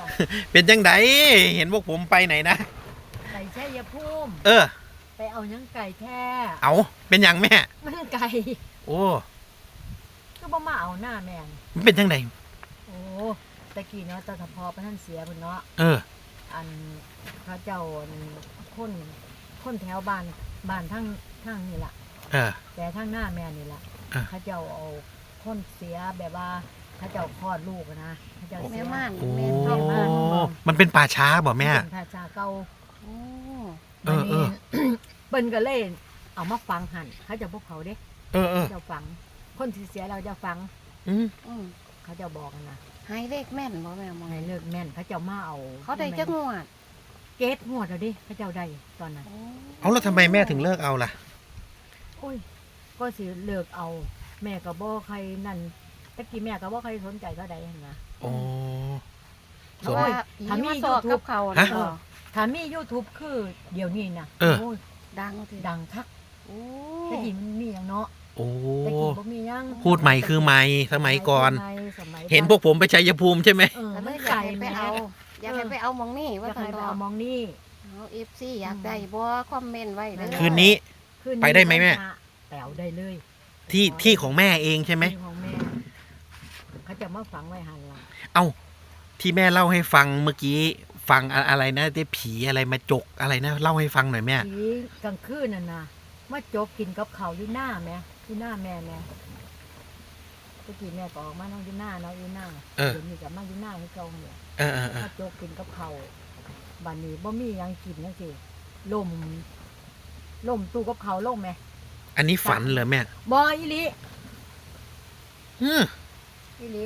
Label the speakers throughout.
Speaker 1: จ้ะ
Speaker 2: เป็นจังไดเห็นพวกผมไปไหนนะ
Speaker 1: ไก่แช่ยาพุ่ม
Speaker 2: เออ
Speaker 1: ไปเอายังไก่แท้
Speaker 2: เอาเป็นอย่างแม่
Speaker 1: มันไก่
Speaker 2: โอ้
Speaker 1: ก็บ่มาเอาหน้าแม่น
Speaker 2: มันเป็นจังได
Speaker 1: โอ้ตะกี้เนาะตอนพอพระท่านเสียพุ่นเนาะ
Speaker 2: เออ
Speaker 1: อันเขาเจ้าคนแถวบ้านทั้งนี่ล่ะ
Speaker 2: เออ
Speaker 1: แต่ทั้งหน้าแม่นี่ล่ะ
Speaker 2: อ่ะ
Speaker 1: เขาเจ้าเอาคนเสียแบบว่าเขาเจ้าคลอดลูกอะนะเขาเจ้าเสี
Speaker 3: แม่
Speaker 1: ย
Speaker 3: ม่าน
Speaker 2: โอ้
Speaker 3: แม่เท่าม่าน
Speaker 2: มันเป็นป่าช้าบ่แม่
Speaker 1: เป็นพระชาเก่า
Speaker 3: โอ้
Speaker 2: เออเออ
Speaker 1: เปิ้นก็เลยเอามาฝังหั่นเขาเจะพวกเขาเด้
Speaker 2: เออเออ
Speaker 1: เจ้าฝัง คนที่เสียเราจะฝัง
Speaker 2: อืม
Speaker 3: อืม
Speaker 1: เขาเจะบอกกันนะ
Speaker 3: ให้เลขแม่นบ่แม่มอง
Speaker 1: ให้เลิกแม่นเขาเจ้ามาเอา
Speaker 3: เขาได้จักงวด
Speaker 1: เกตงวดแล้วดิเขาเจ้าได้ตอนนั้น
Speaker 3: โอ้
Speaker 2: เอาแล้วทำไมแม่ถึงเลิกเอาล่ะ
Speaker 1: โอ้ยก็สิเลิกเอา แม่ก็บ่ใครนั่นตะกี้แม่ก็บ่ใครสนใจเท่าใดหั่นนะ
Speaker 2: อ๋อ
Speaker 3: เพราะว่าผี
Speaker 1: ถ้ามี
Speaker 3: มาสอบ
Speaker 1: YouTube
Speaker 3: กับเขา
Speaker 2: ฮะ
Speaker 3: เนาะ
Speaker 1: ถ้ามี YouTube คือเดี๋ยวนี้นะ
Speaker 2: เออ
Speaker 1: โอ้ย
Speaker 3: ดังที
Speaker 1: ดังคัก
Speaker 3: โอ้
Speaker 1: ตะกี้มันมีหยังเนาะ
Speaker 2: โอ้
Speaker 1: ตะกี้บ่มีหยัง
Speaker 2: พูดใหม่คือใหม่สมัยก่อน
Speaker 1: สมัย
Speaker 2: เห็นพวกผมไปชัยภูมิใช่ไหม
Speaker 1: เออ
Speaker 3: ก็เล
Speaker 1: มัน
Speaker 3: ยอยา
Speaker 1: ไก่
Speaker 3: กให้ไป
Speaker 1: แม่
Speaker 3: เอา อยากให้ไปเอามองนี่
Speaker 1: อยา
Speaker 3: ว่าก ทา
Speaker 1: ให้
Speaker 3: ง
Speaker 1: ไป
Speaker 3: ดอ
Speaker 1: เอา
Speaker 3: ก
Speaker 1: มองนี่
Speaker 3: เอาเอฟซีอยากได้บ่คอมเมนต์ไว้เด้อ
Speaker 2: คืนนี้
Speaker 1: ขึ้น
Speaker 2: ไปได้ไหมแม่
Speaker 1: แปลวได้เลย
Speaker 2: ที่ของแม่เองใช่ไหม
Speaker 1: ที่ของแม่เขาจะมาฝังไว้หันหลัง
Speaker 2: เอ้าที่แม่เล่าให้ฟังเมื่อกี้ฟังอะไรนะได้ผีอะไรมาจกอะไรนะเล่าให้ฟังหน่อยแม่
Speaker 1: ผีกลางคืนน่ะนะมาจกกินกับเขาวอยู่หน้าแม่อยู่หน้าแม่แม่ตะกี้แม่ก็ออกมานั่งอยู่หน้าเนาะอยู่หน้า
Speaker 2: เออ
Speaker 1: เดี๋ยวนี้ก็มาอยู่หน้าให้เก่าเนี่ย
Speaker 2: เออเออเออ
Speaker 1: มาจกกินกับเขาวบัดนี้บ่มีหยังกินจังซี่ล่มตู้กับเขาวล่มแม่
Speaker 2: อันนี้ฝันเหรอแม่
Speaker 1: บ่อีหลี
Speaker 2: อืม
Speaker 1: อีหลี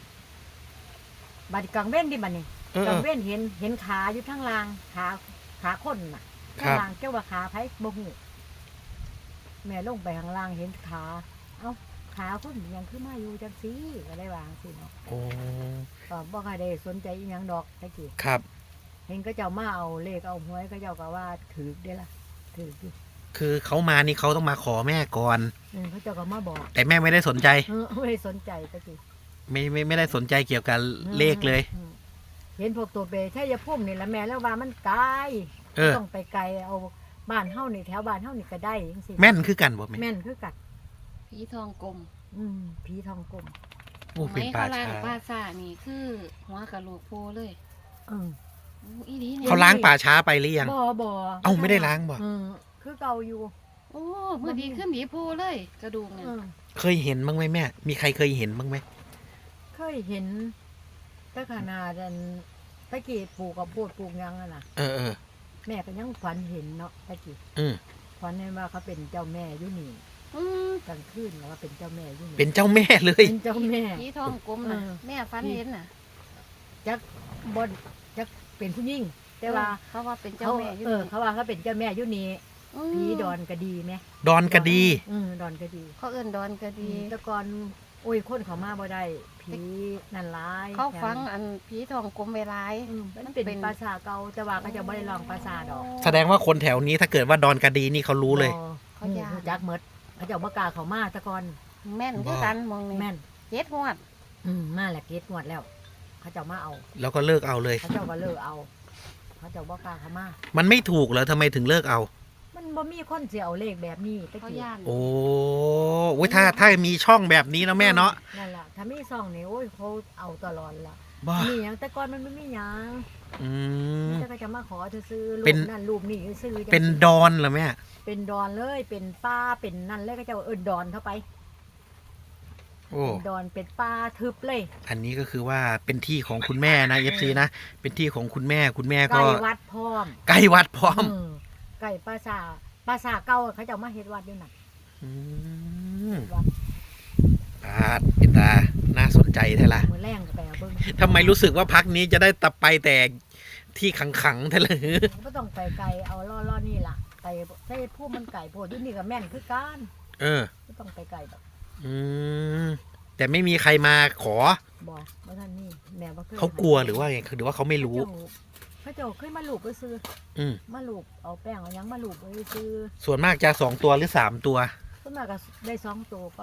Speaker 1: บัดกลางเว้นดิบัดนี้
Speaker 2: เออก เอ
Speaker 1: ลาง
Speaker 2: อ
Speaker 1: เว้นเห็นขาอยู่ทั้งล่างขาคนน่ะ
Speaker 2: ครั
Speaker 1: ข้าง
Speaker 2: บ
Speaker 1: ล่างเจ้าว่าขาไผบ่ฮู้แม่ลงไปข้างล่างเห็นขา เอ้าขาคนยังคือมาอยู่จังซี่ก็ได้วาจังซี่เนาะ
Speaker 2: โอ้
Speaker 1: ก็บ่ค่อยได้สนใจอีหยังดอกตะกี้
Speaker 2: ครับ
Speaker 1: เห็นก็เจ้ามาเอาเลขเอาหวยก็เจ้าก็ว่าถือได้ล่ะถืออยู่
Speaker 2: คือเขามานี่เขาต้องมาขอแม่ก่อน
Speaker 1: เขาเจ้าก็มาบอก
Speaker 2: แต่แม่ไม่ได้สนใจ
Speaker 1: ไม่ได้สนใจตะกี้
Speaker 2: ไม่ได้สนใจเกี่ยวกับเลขเลย
Speaker 1: เห็นพวกตัวเปใช่ยาพุ่มนี่ละแม่แล้วว่ามันไกล
Speaker 2: เออ
Speaker 1: ต้องไปไกลเอาบ้านเฮานี่แถวบ้านเฮานี่ก็ได้จังซี่
Speaker 2: แม่นคือกันบ่แม่
Speaker 1: แม่นคือกัด
Speaker 3: ผีทองกลม
Speaker 1: ผีทองกลม
Speaker 2: โอ้เป็นป่า
Speaker 3: ไม้
Speaker 2: ช้า
Speaker 3: เขาล้างป่าซ่านี่คือหัวกะโหลกโพเลย
Speaker 1: เออ
Speaker 3: โอ้อีนี่
Speaker 2: เขาล้างป่าช้าไปหรือยัง
Speaker 1: บ่
Speaker 2: เอ้าไม่ได้ล้างบ่
Speaker 1: คือเก่าอยู่
Speaker 3: โอ้เมื่อดีขึ้นดีโพเลย กระดูกเนี่ย
Speaker 2: เคยเห็นบ้างไหมแม่ มีใครเคยเห็นบ้างไหม
Speaker 1: เคยเห็นแต่ขนาดอันตะกี้ปลูกกับโพดปลูกหยังอะน่ะ
Speaker 2: เออเออ
Speaker 1: แม่ก็ยังฝันเห็นเนาะตะกี้
Speaker 2: อืม
Speaker 1: ฝันเห็นว่าเขาเป็นเจ้าแม่อยู่นี่
Speaker 3: อืม
Speaker 1: กลางคืนแล้วว่าเป็นเจ้าแม่อยู่นี่
Speaker 2: เป็นเจ้าแม่เลย
Speaker 1: เป็นเจ้าแม่
Speaker 3: ผีทองกลมน่ะ
Speaker 1: เออ
Speaker 3: แม่ฟันเห็นน่ะ
Speaker 1: จักบนจักเป็นผู้หญิงแต่ว่า
Speaker 3: เขาว่าเป็นเจ้าแม่อยู่
Speaker 1: เออ
Speaker 3: นี่
Speaker 1: เขาว่าเขาเป็นเจ้าแม่อยู่นี่
Speaker 3: ม
Speaker 1: ผีดอนกระดีไหม
Speaker 2: ดอนกระดี
Speaker 1: ดอนกระดี
Speaker 3: เขาเอิ้นดอนก็ดี
Speaker 1: แต่ก่อนโอ้ยคนเขามาบ่ได้ผีนั่นร้าย
Speaker 3: เขาฟังอันผีทองกลมเวลาย
Speaker 1: มันเป็นภาษาเก่าแต่ว่าเขาจะบ่ได้ลองภาษาดอก
Speaker 2: แสดงว่าคนแถวนี้ถ้าเกิดว่าดอนกระดีนี่เขารู้เลย
Speaker 1: เขาจักเมดเขาจะบ่กล้าเขามาแต่ก่อน
Speaker 3: แม่นคือกันมองนี่
Speaker 1: แม่น
Speaker 3: เจ็ดงวด
Speaker 1: มาแหละเกตงวดแล้ว เขาจะมาเอา
Speaker 2: แล้วก็เลิกเอาเลย
Speaker 1: เขาจะก็เลิกเอา เขาจะบ่กล้าเขามา
Speaker 2: มันไม่ถูกเหรอทำไมถึงเลิกเอา
Speaker 1: มันบ่มีคนสิเอาเลขแบบนี้ตะ
Speaker 3: เขา
Speaker 1: กี้
Speaker 3: ย่าน
Speaker 2: โอ้โอ้ยถ้ามีช่องแบบนี้นะแม่เนาะ
Speaker 1: นั่นล่ะถ้ามีซองนี่โอ้ยเขาเอาตลอดล่ะ
Speaker 2: บ้า
Speaker 1: มีหยังแต่ก่อนมันไม่มีหยัง
Speaker 2: อืม
Speaker 1: แต่ก็จะมาขอซื้อรู
Speaker 2: เป็น
Speaker 1: ปนั่นรูปนี่ซื้อจัง
Speaker 2: เป็นดอนเหรอแม่
Speaker 1: เป็นดอนเลย เป็นป้าเป็นนั่นเลยก็จะเอิ้นดอนเข้าไป
Speaker 2: โอ้
Speaker 1: เป็นดอนเป็นป้าทึบเลย
Speaker 2: อันนี้ก็คือว่าเป็นที่ของคุณแม่นะเอฟซีนะ เป็นที่ของคุณแม่คุณแม่ก็
Speaker 1: ไก่วัดพร้อม
Speaker 2: ใกล้วัดพร้อม
Speaker 1: ไก่ปลาสาเก่าเขาจะเอามาเฮ็ดวัดด้วยน่ะ
Speaker 2: อืม
Speaker 1: วัด
Speaker 2: เป็นตาน่าสนใจแท้ละ
Speaker 1: มือแรงก็ไปเอาเบิ่ง
Speaker 2: ทำไมรู้สึกว่าพักนี้จะได้ตับไปแต่ที่ขังๆแท้เลย
Speaker 1: ก็ต้องไปไก่เอาล่อๆนี่ล่ะไก่ใส่ผู้มันไก่โพดอยู่นี่ก็แม่นคือกัน
Speaker 2: เออ
Speaker 1: ก็ต้องไปไก่แบบ
Speaker 2: อืมแต่ไม่มีใครมาขอ
Speaker 1: บ่ว่าท่านนี่แม่บ่เคย
Speaker 2: เขากลัวหรือว่าไงหรือว่าเขาไม่รู้
Speaker 1: เขาเจ้าเคยมาลูบก็ซื้อ
Speaker 2: อืม
Speaker 1: มาลูบเอาแป้งเอาหยังมาลูบไว้ซื้อ
Speaker 2: ส่วนมากจะ2 ตัวหรือ3 ตัว
Speaker 1: ส่วนมากก็ได้2ตัวก่อน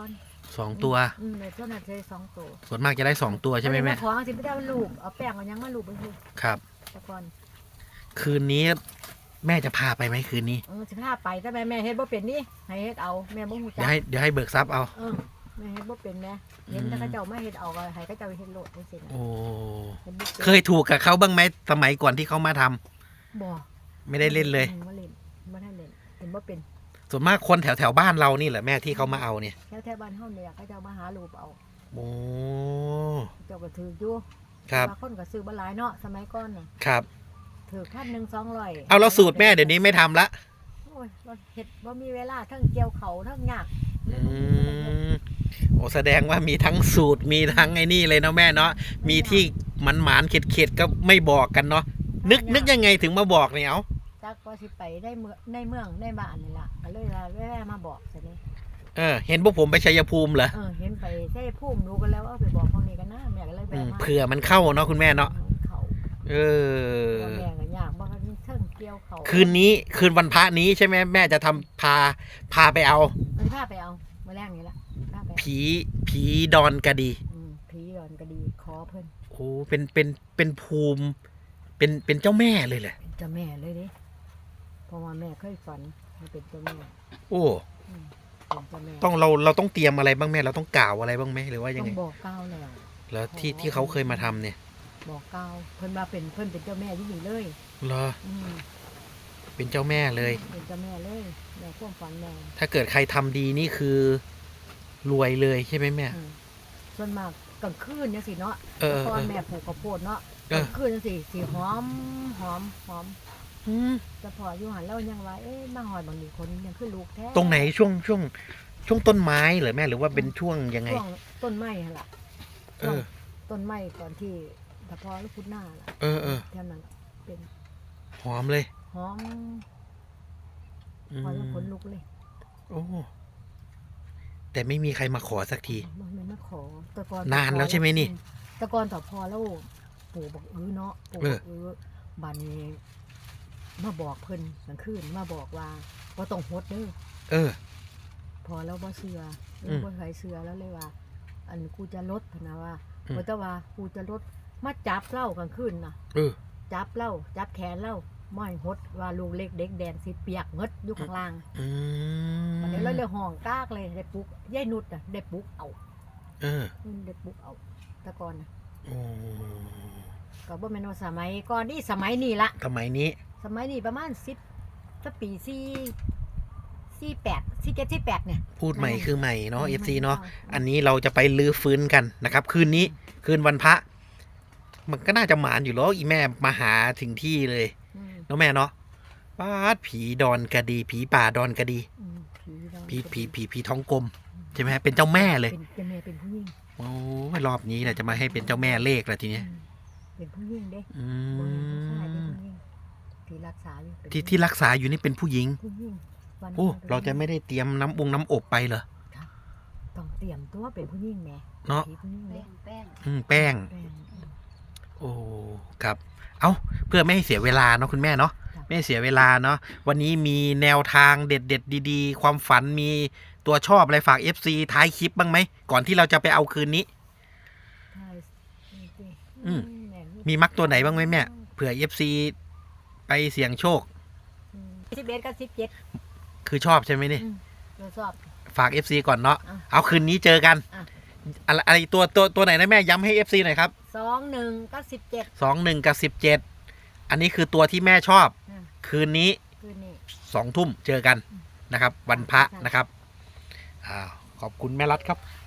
Speaker 2: 2 ตัว
Speaker 1: ในช่วงนั้นใช้2 ตัว
Speaker 2: ส่วนมากจะได้2 ตัวใช่ไหมแม่
Speaker 1: ของสิไม่ได้ลูกเอาแป้งเอายังมาลูกไปคือ
Speaker 2: ครับ
Speaker 1: แต่ก่อน
Speaker 2: คืนนี้แม่จะพาไปไหมคืนนี้
Speaker 1: สิพาไปแต่แม่เฮ็ดบ่เป็นนี่ให้เฮ็ดเอาแม่บ่ฮู้จั
Speaker 2: เดี๋ยวให้เบิกทรัพย์เอา
Speaker 1: แม่เฮ็ดบ่เป็นแม่เห็นแต่เขาเจ้ามาเฮ็ดเอาก็ให้เขาเจ้าเฮ็ดโลดจังซี่นะ
Speaker 2: โอ้
Speaker 1: เฮ็ดบ่ป็น
Speaker 2: เคยถูกกับเขาบ้างไหมสมัยก่อนที่เขามาทำ
Speaker 1: บ่
Speaker 2: ไม่ได้เล่นเลย
Speaker 1: บ่เล่นบ่ได้เล่นเห็นบ่เป็น
Speaker 2: ส่วนมากคนแถวบ้านเรานี่แหละแม่ที่เขามาเอาเนี่ย
Speaker 1: แถวบ้านเฮาเนี่ยเขาเจ้ามาหาลูกเอา
Speaker 2: โอ้
Speaker 1: เจ้าก็ถืออยู่
Speaker 2: ครับ
Speaker 1: บางคนก็ซื้อบ่หลายเนาะสมัยก่อนน่ะ
Speaker 2: ครับ
Speaker 1: ถือ1,000 200
Speaker 2: เอาแล้วสูตรแม่เดี๋ยวนี้ไม่ทำละ
Speaker 1: โอ้ยบ่เฮ็ดบ่มีเวลาทั้งเกี่ยวเขาทั้งยาก
Speaker 2: อืมโอ้แสดงว่ามีทั้งสูตรมีทั้งไอ้นี่เลยเนาะแม่เนาะมีที่มันหมานเข็ดๆก็ไม่บอกกันเนาะนึกยังไงถึงมาบอกเนี่ยเอา
Speaker 1: จักว่าสิไปได้เมืองในบ้านนี่ล่ะก็เลยว่าแว่มาบอกซะนี่
Speaker 2: เห็นพวกผมไปชัยภูมิเหรอ
Speaker 1: เห็นไปใช่ภูมิรู้กันแล้วเอาไปบอกพวกนี้กันนะแม่ก็เลยแวะมา
Speaker 2: เผื่อมันเข้าเนาะคุณแม่เนาะ
Speaker 1: เขา
Speaker 2: เออ
Speaker 1: ว่าแม่ก็ยากบ่คันเทิงเกี่ยวเขา
Speaker 2: คืนวันพระนี้ใช่ไหมแม่จะทำพาไปเอา
Speaker 1: มันพาไปเอามื้อแรกนี่ล่ะพาไป
Speaker 2: ผีดอนกระดี
Speaker 1: ผีดอนก็ดีขอเพิ่น
Speaker 2: โอ้เป็นภูมิเป็นเจ้าแม่เลยแหละ
Speaker 1: เป็นเจ้าแม่เลยเด้เพราะว่าแม่เคยฝันให้เป็นเจ้าแม่
Speaker 2: โอ้
Speaker 1: เป็นเจ้าแม่
Speaker 2: เราต้องเตรียมอะไรบ้างแม่เราต้องกล่าวอะไรบ้างไหมหรือว่ายัง
Speaker 1: ต้อ
Speaker 2: ไง
Speaker 1: งบอกกล่าวแล้ว
Speaker 2: แล้วที่เขาเคยมาทำเนี่ย
Speaker 1: บอกกล่าวเพิ่นว่าเพิ่นเป็นเจ้าแม่ที่นี่เลย
Speaker 2: เหรอ
Speaker 1: อืม
Speaker 2: เป็นเจ้าแม่เลย
Speaker 1: เป็นเจ้าแม่เลยแม่ความฝันแม่
Speaker 2: ถ้าเกิดใครทำดีนี่คือรวยเลยใช่ไหมแม่
Speaker 1: ส่วนมากกลางคืนจังซี่เนาะ
Speaker 2: เออ
Speaker 1: ตอนแม่ปลูกข้าวโพดเนาะ
Speaker 2: เอก อ
Speaker 1: ลางคืนจังซี่สิหอม
Speaker 2: อืม
Speaker 1: แต่พออยู่หันแล้วยังว่ามาหอยบางทีคนยังคือลูกแท้
Speaker 2: ตรงไหนช่วงต้นไม้เหรอแม่หรือว่าเป็นช่วงยังไง
Speaker 1: ช่วงต้นไม้หั่นล่ะ
Speaker 2: เออ
Speaker 1: ต้นไม้ก่อนที่ตะพอลูกพุดหน้าล่ะ
Speaker 2: เออ
Speaker 1: แค่นั้นล่ะเป็น
Speaker 2: หอมเลย
Speaker 1: หอม
Speaker 2: อื
Speaker 1: หอมแล้ว
Speaker 2: ม
Speaker 1: ขนลุกเลย
Speaker 2: โอ้แต่ไม่มีใครมาขอสักที
Speaker 1: มันไม่มาขอแตะกอน
Speaker 2: นานแล้วใช่ไหมนี่
Speaker 1: แตะกอนต่อพอแล้วปู่บอกเนาะปู่บอกบัดนี้มาบอกเพิ่นกลางคืนมาบอกว่าบ่ต้องฮดเด้อ
Speaker 2: เออ
Speaker 1: พอแล้วบ่เชื่อบ่ใครเชื่อแล้วเลยว่า อันกูจะลดพะนะว่า
Speaker 2: อืม
Speaker 1: บ่แต่ว่ากูจะลดมาจับเล่ากลางคืนน่ะ
Speaker 2: เออ
Speaker 1: จับเล่าจับแขนเล่าม้อยหดว่าลูกเล็กเด็กแดนสิเปียกเงดอยู่ข้างล่าง
Speaker 2: อืม
Speaker 1: อันนี้เราเลยห้องกากเลยได้ปลุกยายนุชน่ะได้ปลุกเอา
Speaker 2: เออ
Speaker 1: ได้ปลุกเอาแตะกอนน่ะ
Speaker 2: โอ้
Speaker 1: ก็บ่แม่นว่าสมัยก่อนนี่สมัยนี้ละ
Speaker 2: สมัยนี้
Speaker 1: สมัยนี้ประมาณ10สักปี48 47 48เนี่ย
Speaker 2: พูดใหม่คือใหม่เนาะ
Speaker 1: อืม
Speaker 2: FC เนาะ
Speaker 1: ใช่
Speaker 2: อันนี้เราจะไปลื้อฟื้นกันนะครับ คืนนี้คืนวันพระ มันก็น่าจะหมานอยู่แล้วอีแม่มาหาถึงที่เลย
Speaker 1: อืม
Speaker 2: เนาะแม่เนาะป้าดผีดอนกระดี ผีป่าดอนกระดี
Speaker 1: อืมผีดอน
Speaker 2: ผีท้องกลมใช่ไหมเป็นเจ้าแม่เลย
Speaker 1: เป็นแม่เป็นผู้หญิง
Speaker 2: โอ้ยรอบนี้แหละจะมาให้เป็นเจ้าแม่เลขละทีเนี้ย
Speaker 1: เป็นผู้หญิงเด้
Speaker 2: อื
Speaker 1: บ่แม่นผู้ชายเป็น
Speaker 2: ม
Speaker 1: ผู้หญิงที่รักษาอยู่เป็น
Speaker 2: ที่รักษาอยู่นี่เป็นผู้หญิง
Speaker 1: ผู้หญิงวัน
Speaker 2: โอ้
Speaker 1: นั้น
Speaker 2: เราจะไม่ได้เตรียมน้ำอบไปเหรอ
Speaker 1: ต้องเตรียมตัวเป็นผู้หญิงแหม่
Speaker 2: เนาะ
Speaker 1: ผีผู้หญิง
Speaker 3: แป้
Speaker 1: เด้
Speaker 3: งแป้ง
Speaker 2: แป้ง
Speaker 1: แป้ง
Speaker 2: โอ้ครับ เอาเพื่อไม่ให้เสียเวลาเนาะคุณแม่เนาะไม่ให้เสียเวลาเนาะวันนี้มีแนวทางเด็ดดีๆ ความฝันมีตัวชอบอะไรฝาก FC ท้ายคลิปบ้างไหมก่อนที่เราจะไปเอาคืนนี้
Speaker 1: ใช่สิ
Speaker 2: อืม
Speaker 1: แห
Speaker 2: มีมักตัวไหนบ้างไหมแม่เผื่อ FC ไปเสี่ยงโชค
Speaker 1: 11กับ17
Speaker 2: คือชอบใช่ไหมนี่
Speaker 1: เราชอบ
Speaker 2: ฝาก FC ก่อนเนาะ
Speaker 1: อ่ะ
Speaker 2: เอาคืนนี้เจอกัน
Speaker 1: อ่ะ
Speaker 2: อะไรตัวไหนนะแม่ย้ำให้ FC หน่อยครับ
Speaker 1: 21กับ17
Speaker 2: 21 กับ 17 อันนี้คือตัวที่แม่ชอบ
Speaker 1: อ่ะ
Speaker 2: คืนนี้
Speaker 1: คืนนี้
Speaker 2: 2 ทุ่มเจอกันนะครับ วันพระนะครับขอบคุณแม่รัฐครับ